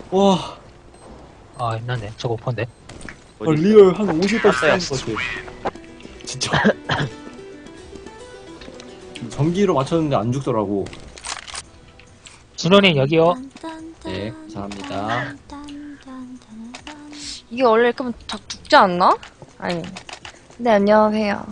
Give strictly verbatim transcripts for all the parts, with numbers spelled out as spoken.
와, 아, 힘나네. 저거 오퍼인데. 아, 리얼 한 오십 발씩 쏘는 것 같아. 진짜. 전기로 맞췄는데 안 죽더라고. 진원이 여기요. 네, 감사합니다. 이게 원래 그럼 다 죽지 않나? 아니. 네, 안녕하세요.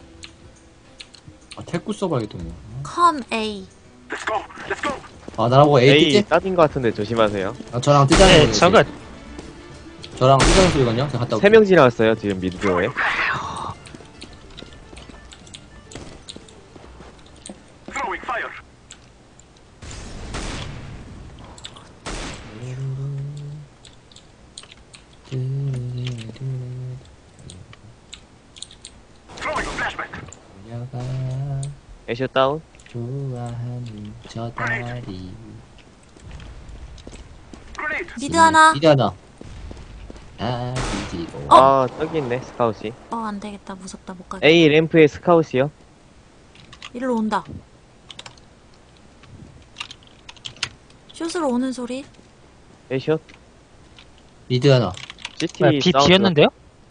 아, 태꾸 써봐야겠더니. 컴 A. 아, 나라고 A A 뜨지? 따진 것 같은데 조심하세요. 아, 저랑 뜨자는 네, 소리지. 저거, 저랑 뜨자는 소리거든요. 제가 갔다 올게요. 세 명 지나갔어요 지금 미드로에. 애쇼 다운. 좋아하는 저 다리. 미드 하나. 미드 하나. 아, 미지고. 어? 아 저기 있네 스카웃이. 어, 안 되겠다. 무섭다. 못 가겠다. A 램프에 스카웃이요. 일로 온다. 슛으로 오는 소리. 애쇼. 미드 하나. 시티 뭐야, B 사운드. B였는데요?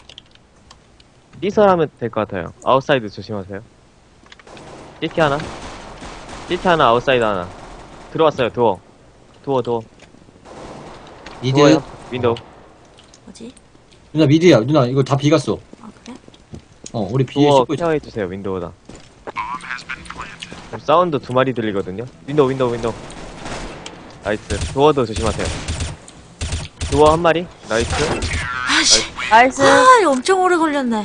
B설하면 될 것 같아요. 아웃사이드 조심하세요. 시티 하나. 시티 하나 아웃사이드 하나. 들어왔어요 도어. 도어 도어. 미드. 도어요. 윈도우. 뭐지? 누나 미드야. 누나 이거 다 비갔어. 아, 그래? 어, 우리 B에 도어 씹고 있어. 케어해주세요 윈도우다. 그럼 사운드 두 마리 들리거든요. 윈도우 윈도우 윈도우. 나이스. 도어도 조심하세요. 도어 한 마리. 나이스. 아씨. 나이스. 아, 이거 엄청 오래 걸렸네.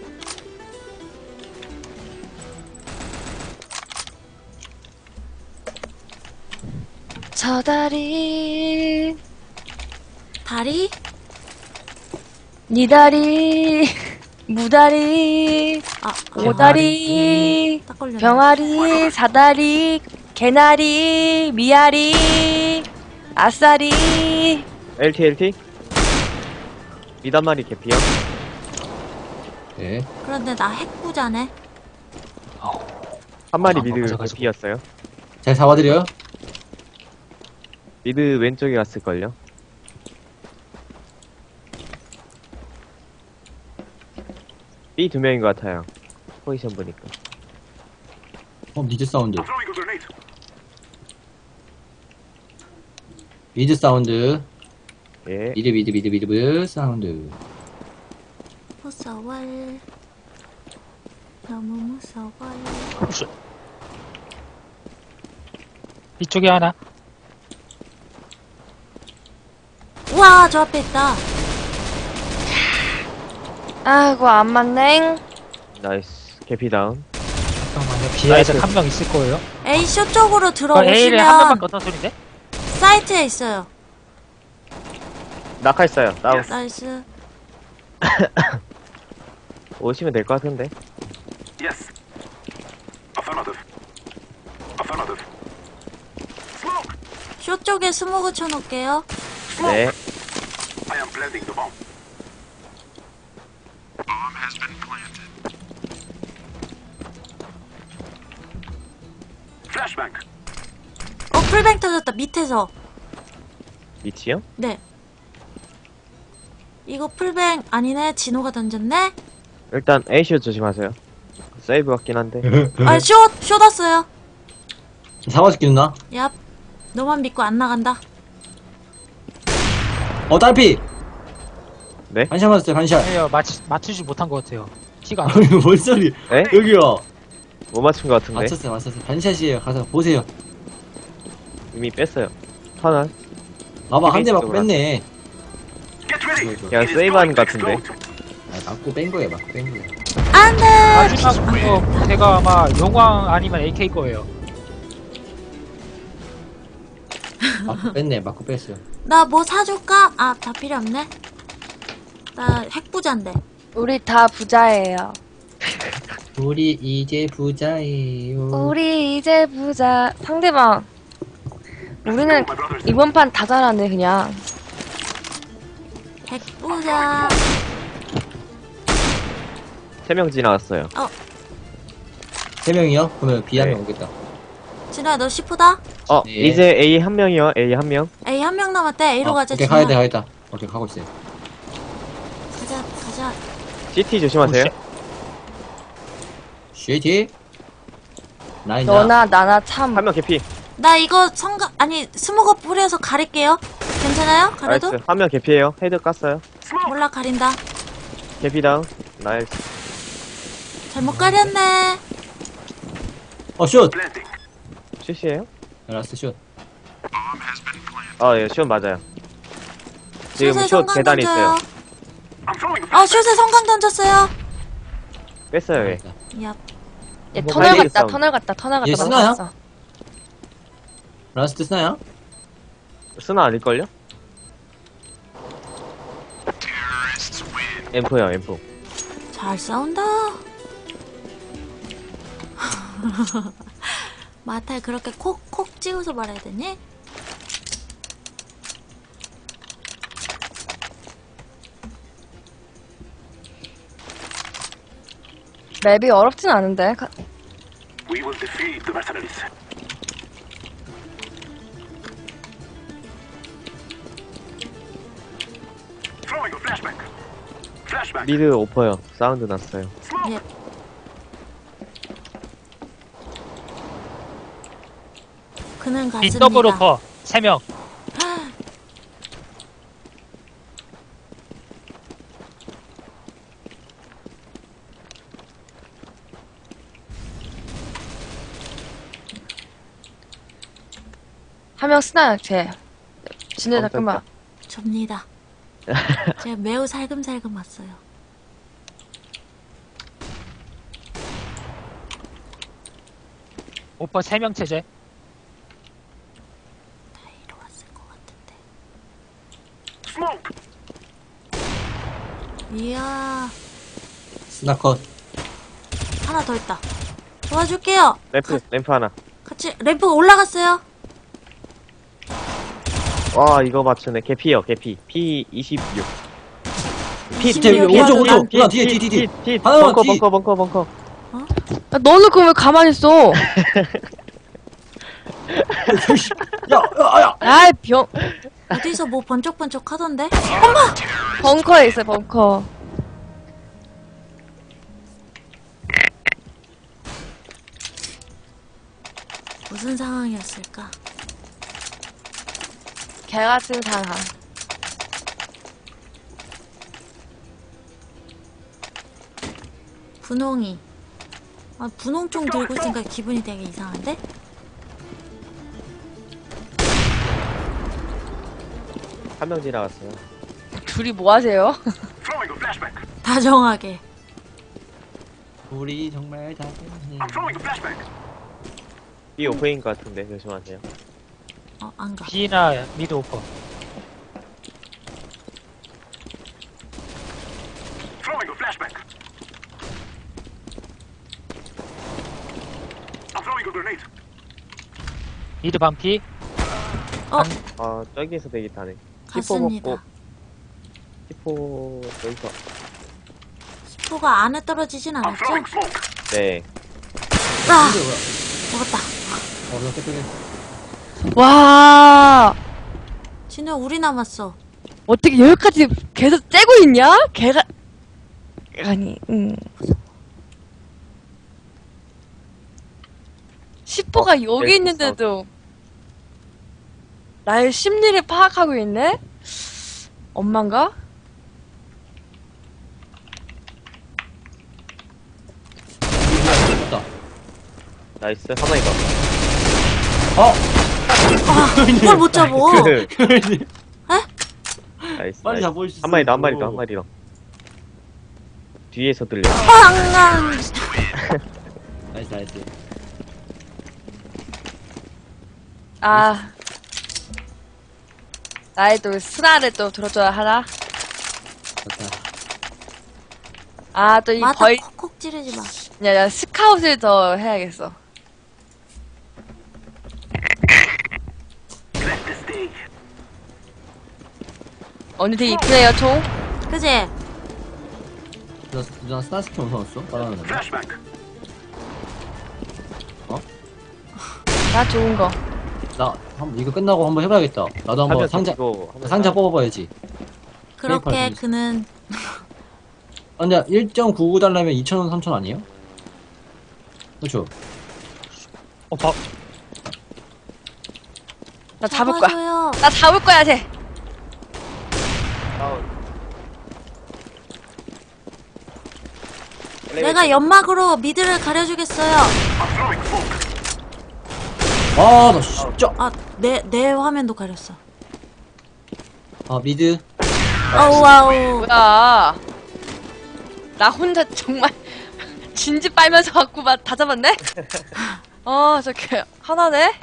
저 다리, 다리? 니 다리, 무다리, 아, 오다리, 딱 걸렸네. 병아리, 사다리, 개나리, 미아리, 아싸리. 엘티 엘티. 미드 한 마리 개피요. 네. 그런데 나 핵부자네. 한 마리 아, 미드 맞아가지고. 개피였어요. 잘 잡아드려요? 미드 왼쪽에 갔을걸요. B 두 명인 것 같아요. 포지션 보니까. 어, 미드 사운드. 미드 사운드. 예. 미드, 미드, 미드, 미드, 미드 사운드. 무서워. 너무 무서워. 슛. 이쪽에 하나. 우와, 저 앞에 있다. 아이고, 안 맞네. 나이스. 개피 다운. 잠깐만요. B에 아직 나이스. 한 명 있을 거예요. A 쇼 쪽으로 어, A를 한 들어오시면 명밖에 어떤 소린데? 사이트에 있어요. 낙하했어요. 다운. 나이스. 오시면 될 것 같은데. 쇼 쪽에 스모그 쳐놓을게요. 네. 어, 풀뱅 터졌다. 밑에서. 위치요? 네. 이거 풀뱅 아니네. 진호가 던졌네. 일단 A쇼 조심하세요. 세이브 같긴 한데. 아, 쇼! 쇼 났어요. 잡아줄게, 누나. 얍. 너만 믿고 안 나간다. 어, 딸피! 네? 반샷 맞았어요, 반샷. 아니요, 맞추, 맞추지 못한 것 같아요. 티가 안 나. 아니, 뭔 소리. 네? 여기요. 못 맞춘 것 같은데. 맞췄어요, 맞췄어요. 반샷이에요. 가서 보세요. 이미 뺐어요. 터널. 봐봐, 한 대 이미 맞고 있어, 뺐네. 그냥 세이브하는 것 같은데. 아, 맞고 뺀 거예요, 맞고 뺀 거예요. 안 돼! 마지막 그거 제가 아마 용왕 아니면 에이케이 거예요. 맞고 뺐네, 맞고 뺐어요. 나 뭐 사줄까? 아, 다 필요 없네. 나 핵부자인데. 우리 다 부자예요. 우리 이제 부자예요. 우리 이제 부자. 상대방. 우리는 이번 판 다 잘하네, 그냥. 핵부자. 세 명 지나갔어요. 세 명이요? 그러면 B 한 네. 명 오겠다. 진호야, 너 시프다? 어, 네. 이제 A 한 명이요. A 한 명. A 한 한 명 남았대. A로 어, 가자. 오케이, 진우야. 가야돼, 가야돼. 오케이, 가고 있어요. 가자, 가자. 씨티 조심하세요. 쉐이티. 라인다. 너나 나나 참. 한 명 개피. 나 이거 성가, 아니, 스모거 뿌려서 가릴게요. 괜찮아요? 가려도? 나이스. 한 명 개피에요. 헤드 깠어요. 몰라, 가린다. 개피 다운. 나이스. 잘못 가렸네. 어, 슛! 슛이에요? 라스트 슛. 아, 예, 슛 맞아요. 지금 슛에 슛 성광 계단에 던져요. 있어요. 아, 슛에 성광 던졌어요. 뺐어요, 예. 야, 얘 뭐 터널 빨리 갔다 싸움. 터널 갔다 터널 갔다 얘 쓰나요? 맞았어. 라스트 스나야? 쓰나 아닐걸요? 엠프요, 엠프. 잘 싸운다. 마탈 그렇게 콕콕 찍어서 말해야 되니? 맵이 어렵진 않은데. 가- We will defeat the mercenaries. Throwing a flashback. Flashback. 미드 오퍼요. 사운드 났어요. 예. 그는 이 갔습니다. 더블 오퍼 세 명. 한 명 쓰나요, 쟤? 진우 어, 잠깐만. 접니다. 제가 매우 살금살금 왔어요. 오퍼 세 명 체제. 다 이리 왔을 것 같은데. Smoke. 이야, 스나 컷. 하나 더 있다. 도와줄게요. 램프, 램프 하나. 같이 램프 올라갔어요. 와, 이거 맞추네. 개피요, 개피. 피 이십육. 피, 이십육 피, 이야, 오른쪽, 누나. 오른쪽. 누나, 뒤에, 뒤에, 뒤에. 피, 하나만 벙커, 뒤. 벙커, 벙커, 벙커. 야, 너는 그럼 왜 가만히 있어? 야, 야, 야! 아이, 병. 어디서 뭐 번쩍번쩍 하던데? 벙커에 있어, 벙커. 무슨 상황이었을까? 개 같은 상황. 분홍이. 아, 분홍총 들고 있으니까 기분이 되게 이상한데? 한 명 지나갔어요. 둘이 뭐 하세요? Throwing a flashback. 다정하게. 우리 정말 다. I'm throwing a flashback. B 오퍼인 것 같은데, 조심하세요. 어, 안 가. B나 미드 오퍼. Throwing a flashback. I'm throwing a grenade. 미드 반피. 아, 저기에서 대기 타네. 갔습니다. 히포, 여기서. 스포가 안에 떨어지진 I'm 않았죠? throwing smoke. 네. 아! 먹었다. 어, 나 깨끗해. 와, 진우야, 우리 남았어. 어떻게 여기까지 계속 째고 있냐? 개가. 아니, 음. 십보가 어, 여기 네, 있는데도 나의 심리를 파악하고 있네? 엄만가? 됐다. 나이스. 가만히 가. 어! 아, 이걸 못 잡어. 그, 그러니. 나이스. 빨리 나이스. 잡아주시죠. 한 마리 더, 한 마리 더, 한 마리 더. 뒤에서 들려. 빵! 나이스, 나이스. 아. 나의 또 스나를 또 들어줘야 하나? 됐다. 아, 또 이 맞아, 벌, 콕콕 찌르지 마. 야, 야, 스카웃을 더 해야겠어. Let this day. 언니 되게 이쁘네요, 총. 그지? 누나, 누나 스나 스킨 무서웠어? 빨아놨는데. Flashback. 나 좋은 거. 나 나 한번 이거 끝나고 한번 해봐야겠다. 나도 한번 가면 상자 이거 한번 상자 사- 뽑아봐야지. 그렇게 페이팔 그는 아, 근데 일 점 구구 달라면 이천 원, 삼천 원 아니에요? 그렇죠. 어, 봐. 나 잡을 거야. 잡아줘요. 나 잡을 거야, 쟤. 다운. 내가 연막으로 미드를 가려주겠어요. I'm throwing smoke. 아, 나 진짜. 아, 내, 내 화면도 가렸어. 아, 미드. 아우, 아우. 뭐야. 나 혼자 정말 진지 빨면서 갖고 막 다 잡았네? 어, 저게 하나네?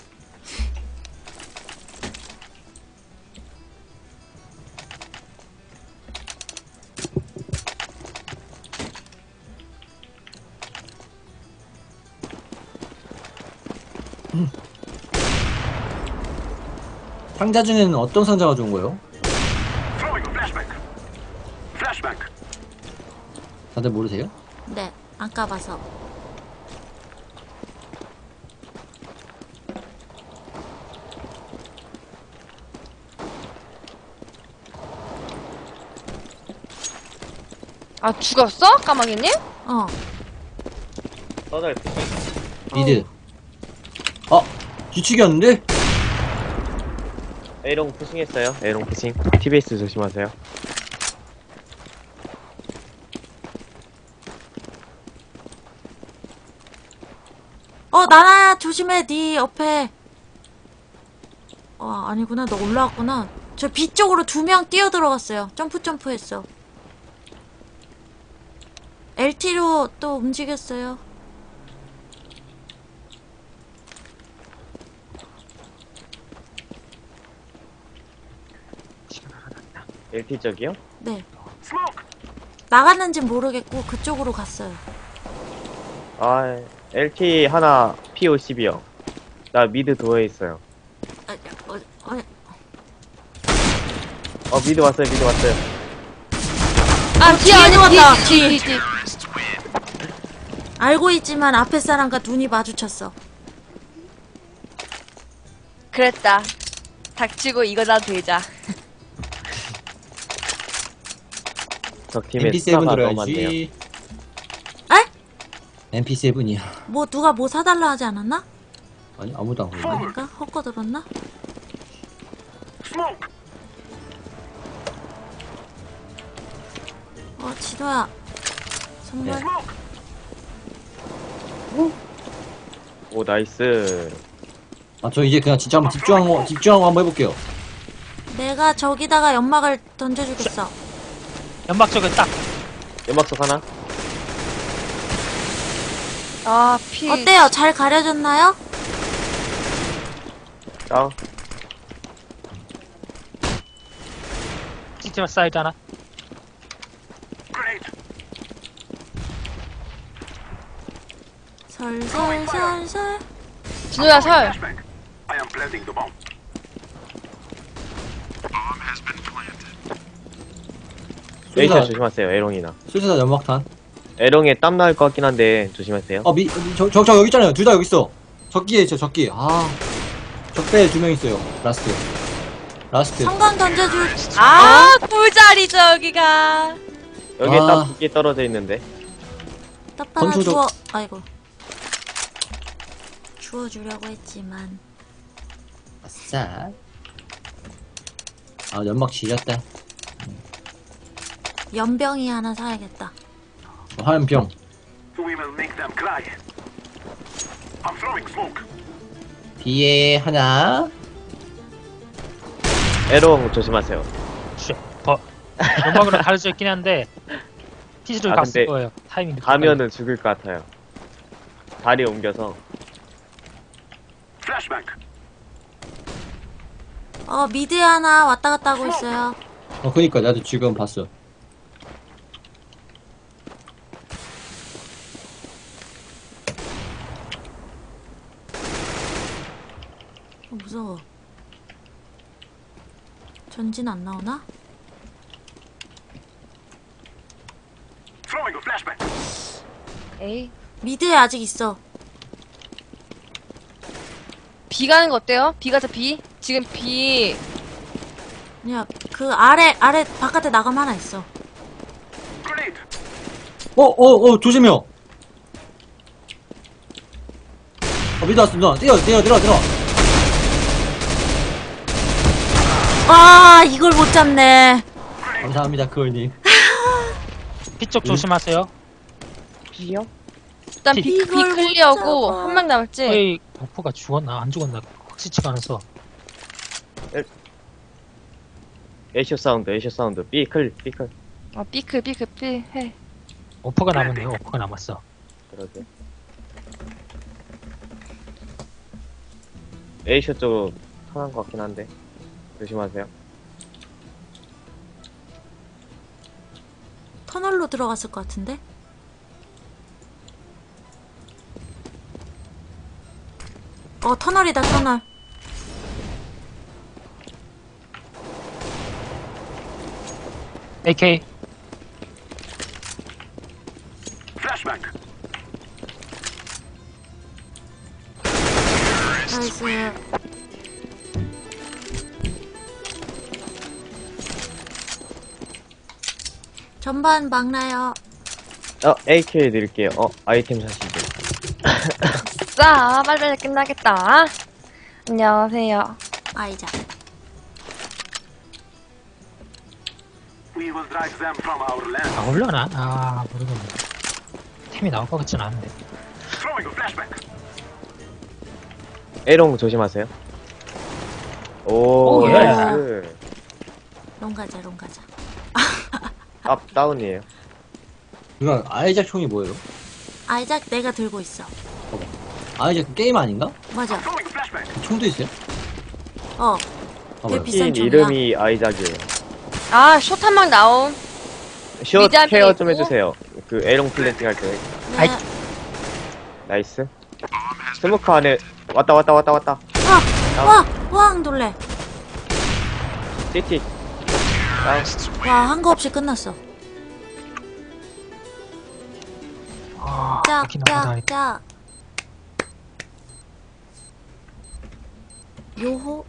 상자 중에는 어떤 상자가 좋은 거예요? Throwing a flashbang. Flashbang. 다들 모르세요? 네, 안 까봐서. 아, 죽었어? 까마귀님? 어. 떠날 미드. 아, 뒤치기였는데? A롱 푸싱했어요. A롱 푸싱. 티비에스 조심하세요. 어, 나나야, 조심해, 네 옆에. 어, 아니구나, 너 올라왔구나. 저 B 쪽으로 두 명 뛰어 들어갔어요. 점프, 점프 했어. 엘티로 또 움직였어요. 엘티 쪽이요? 네. Smoke. 나갔는지 모르겠고, 그쪽으로 갔어요. 아, 엘티 하나 피 오십이요. 나 미드 도어에 있어요. 아, 어, 어, 어, 미드 왔어요. 미드 왔어요. 아, 뒤에 뒤에 아니 누웠다, 뒤, 뒤, 뒤, 뒤. 알고 있지만 앞에 사람과 눈이 마주쳤어. 그랬다. 닥치고 이거나 들자. 적 팀에 엠피 세븐 스타가 너무 많네요. 들어야지. 에? 엠피 세븐이야. 뭐 누가 뭐 사달라 하지 않았나? 아니, 아무도 안 그러네. 아닌가? 헛거 들었나? Smoke. 어, 지도야. 선물. 네. Smoke. 오, 나이스. 아, 저 이제 그냥 진짜 한번 집중하고, 집중하고 한번 해볼게요. 내가 저기다가 연막을 던져주겠어. 연막 쪽에 딱. 연막석 하나? 아, 피. 어때요? 잘 가려졌나요? 다운. 시스템 사이드 하나. Grenade. 설설설설. 진우야, 설. Flashbang. I am planting the bomb. 에이터 수리사, 조심하세요. 에롱이나. 수리사 연막탄. 에롱에 땀 나올 것 같긴 한데 조심하세요. 어, 미, 저, 저, 저 여기 있잖아요. 둘 다 여기 있어. 적기에 있어, 적기. 아. 적배에 두 명 있어요. 라스트. 라스트. 성광 던져줄. 아, 꿀자리죠, 여기가. 여기에 아. 땀 두 개 떨어져 있는데. 떡 하나 건초적- 주워. 아이고. 주워주려고 했지만. 아싸. 아, 연막 지렸다. 연병이 하나 사야겠다. 어, 화염병. We will make them cry. I'm throwing smoke. 뒤에 하나. 에롱 조심하세요. 쉣. 버. 연막으로 가려져 있긴 한데 티즈를 아, 갔을 근데 거예요. 타이밍. 늦게 가면은 죽을 것 같아요. 다리 옮겨서. Flashbang. 어, 미드 하나 왔다 갔다 하고 있어요. 어, 그니까, 나도 지금 봤어. 어, 무서워. 전진 안 나오나? Throwing a flashbang. 에이. 미드에 아직 있어. B 가는 거 어때요? B 가자, B. 지금 B. 야, 그 아래, 아래, 바깥에 나가면 하나 있어. Grenade. 어, 어, 어, 조심해요. 어, 미드 왔어, 누나. 뛰어, 뛰어, 뛰어, 뛰어. 아, 이걸 못 잡네. 감사합니다, 그걸님. B쪽 조심하세요. B요? 일단 B, B. B 이걸 못 클리어고, 잡아. 한 명 남았지? 거의 오퍼가 죽었나 안 죽었나 확실치가 않아서. 에이쇼 사운드, 에이쇼 사운드. B 클, B 클. 어, B 클, B 클, B 해. 오퍼가 남았네요. 오퍼가 남았어. 그러게. 에이쇼 쪽으로 턴한 것 같긴 한데. 조심하세요. 터널로 들어갔을 것 같은데? 어, 터널이다, 터널. 에이케이. Flashbang. 나이스. 전반 막나요. 어, 에이케이 드릴게요. 어, 아이템 사시죠. 자, 빨리빨리 끝나겠다. 안녕하세요. 아이자. We will drive them from our land. 아 올려나? 아 모르겠네. 템이 나올 것 같진 않은데. Throwing a flashbang. 에롱 조심하세요. 오, 오, 예. 나이스. 롱가자, 롱가자. 앞 다운이에요. 누나, 아이작 총이 뭐예요? 아이작 내가 들고 있어. 아이작 그 게임 아닌가? 맞아. Throwing a flashbang. 총도 있어요? 어, 봐봐요. 되게 비싼 신 총이야. 이름이 아이작이에요. 아, 숏 한 방 나옴. 숏 미드 앞에 케어 좀 있고. 해주세요. 그 에롱 플랜팅 할 때. 네. 아이. 나이스. 스모크 안에 왔다 왔다 왔다 왔다. 와, 와, 왕 놀래. 시티. 다운. 와, 한 거 없이 끝났어. 아 짝, 이렇게 나가다 짝, 짝. 요호.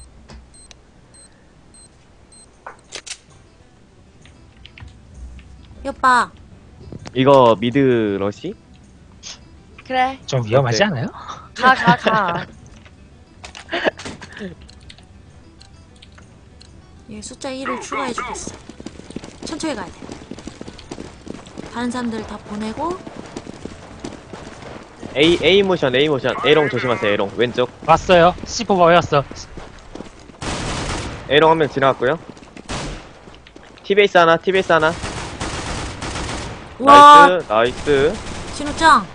여빠, 이거 미드 러시? 그래. 좀 위험하지 어때? 않아요? 가, 가, 가. 얘 숫자 일을 추가해주겠어. 천천히 가야 돼. 다른 사람들 다 보내고. A A 모션 A 모션. 에롱 조심하세요. 에롱 왼쪽. 왔어요. 씨포 보였어. 에롱 한 명 지나갔고요. 티베이스 하나. 티베이스 하나. 와, 나이스. 나이스. 진우짱.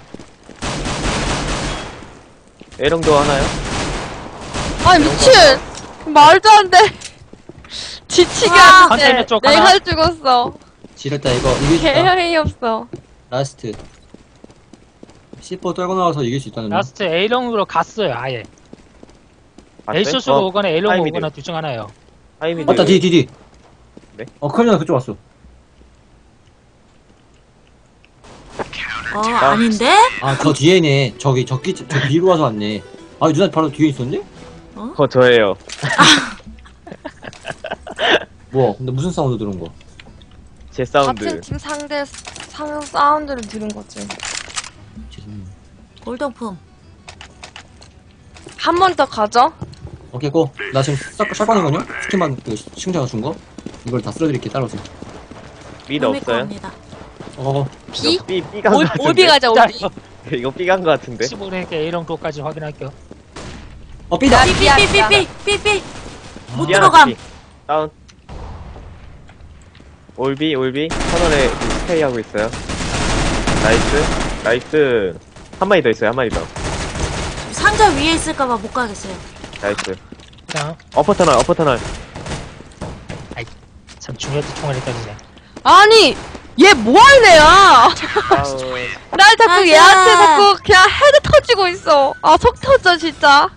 에롱도 하나요? 아니, 미친! 말도 안 돼. 지치게 와. 하는데 컨테이너 쪽 내가 하나. 죽었어. 지렸다, 이거. 이길 수 있다. 개형이 없어. 라스트. 씨포 떨고 나와서 이길 수 있다는 거. 라스트 A롱으로 갔어요. 아예. 봤어요? A숏으로 어, 오거나 A롱으로 하이미드. 오거나 둘 중 하나예요. 하이미드. 맞다, 뒤, 뒤, 뒤. 네? 어, 클리어 그쪽 왔어. 어, 아닌데? 아, 저 뒤에네. 저기, 저기, 저 뒤로 와서 왔네. 아, 누나 바로 뒤에 있었는데? 어, 저예요. 뭐, 근데 무슨 사운드 들은 거? 제 사운드. 같은 팀 상대 상 사운드를 들은 거지. 죄송해요. 골동품. 한 번 더 가죠? 오케이, 고. 나 지금 샷, 샷건이거든요? 스킨만, 그, 시청자가 준 거? 이걸 다 쓸어드릴게, 따라오세요 미드 놈의 없어요? 겁니다. 어, B? B B간 거 올, 같은데. 올비 가자, 올비. 이거 B간 거 같은데. 십오 랭크 A롱 도까지 확인할게요. 어, 삐다! 야, 미안, 미안. 삐삐삐삐삐삐. 못 B 하나, 들어감. B. 다운. 올비 올비 터널에 스테이 하고 있어요. 나이스 나이스. 한 마리 더 있어요. 한 마리 더. 상자 위에 있을까봐 못 가겠어요. 나이스. 그냥 어퍼 터널 어퍼 터널. 참 중요한 총알이 떨리네. 아니, 얘 뭐하는 애야? 다운. 날 자꾸 맞아. 얘한테 자꾸 그냥 헤드 터지고 있어. 아, 속 터져, 진짜.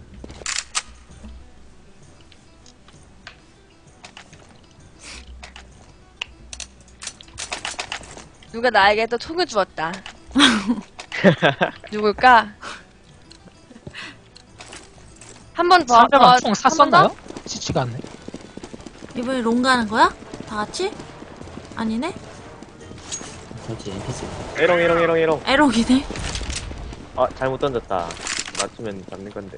누가 나에게 또 총을 주었다. 누굴까? 한 번 더. 상대방 어, 총 한 번 샀었나요? 치치가 않네. 이번에 롱 가는 거야? 다 같이? 아니네? 그렇지, 엠피씨. 에롱, 에롱, 에롱, 에롱. 에롱이네. 아, 잘못 던졌다. 맞추면 잡는 건데.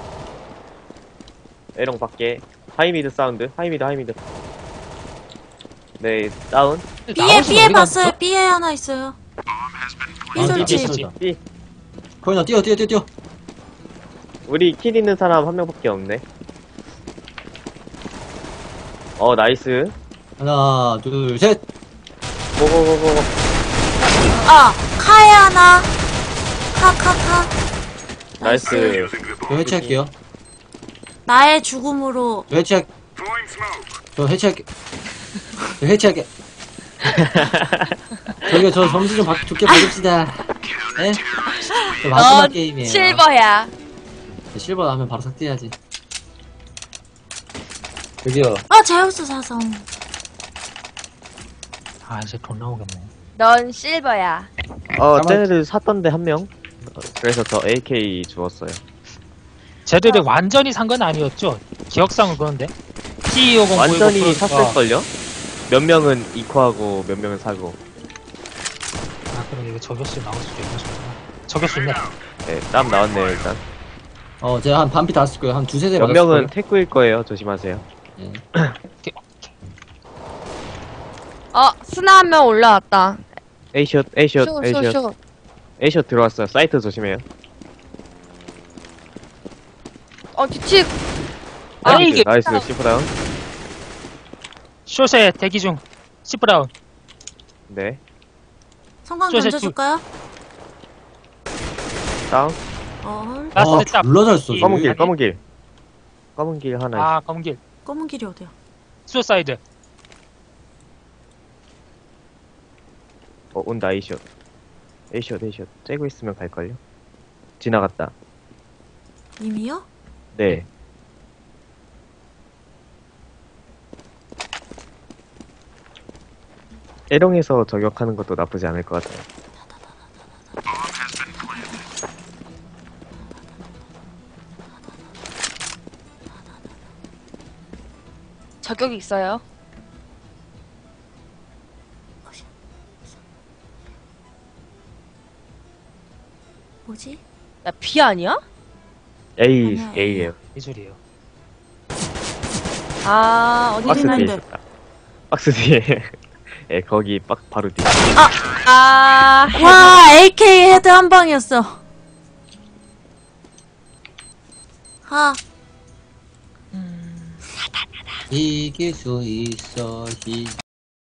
에롱 밖에. 하이미드 사운드. 하이미드, 하이미드. 네, 다운. B에, 나머지는 B에 어디 봤어요. 갔어? B에 하나 있어요. B 아, 설치. B, B. B. 거인아, 뛰어, 뛰어, 뛰어, 뛰어. 우리 킬 있는 사람 한 명밖에 없네. 어, 나이스. 하나, 둘, 셋. 고고고고. 아, 카에 하나. 카, 카, 카. 나이스. Using the 저 bomb. 해체할게요. 나의 죽음으로. 저 해체할, Throwing smoke. 저 해체할게. 저 해체할게. 저기요, 저 점수 좀 바, 좋게 봐줍시다. 예? 저 마지막 어, 게임이에요. 실버야. 실버 하면 바로 삭제해야지. 저기요. 아, 제우스 사성. 아 이제 돈 나오겠네. 넌 실버야. 어, 가만- 쟤네들 샀던데 한 명. 어, 그래서 저 에이케이 주웠어요. 쟤들이 완전히 산 건 아니었죠? 기억상은 그런데. 티 오십 완전히 샀을걸요? 몇 명은 이코하고 몇 명은 사고. 아 그럼 이거 저격수 나올 수도 있는 소리구나. 저격수 있네. 네, 땀 나왔네요, 일단. 어, 제가 한 반피 다 쓸 거예요. 한 두세 대 몇 맞았을 명은 거예요. 테크일 거예요, 조심하세요. 예. 어, 스나 한 명 올라왔다. A샷, A샷, 쇼, 쇼, A샷. 쇼. A샷 들어왔어요. 사이트 조심해요. 어, 뒤치. 아, 나이스, 이게- 나이스, 시프다운. 숏에 대기 중. 시브라운. 네, 성광 저, 저, 던져줄까요? 다운. 어, 라스트 아, 딱. 졸라 잘 써. 이- 검은 쟤. 길, 검은 길. 검은 길 하나. 아 검길. 검은 길이 어디야? 수사이드. 어, 온다, A샷. A샷, A샷. 째고 있으면 갈걸요? 지나갔다. 이미요? 네. 에롱에서 저격하는 것도 나쁘지 않을 것 같아요. 저격이 있어요. 뭐지? 야, B 아니야? A, 아니야, A예요. 이줄이에요. 아, 어디 박스 있긴 뒤에 한데. 있었다. 박스 뒤에. 예, 거기 빡 바로 뒤에. 아, 와, 에이케이 헤드 한 방이었어. 하. 이길 수 있어. 이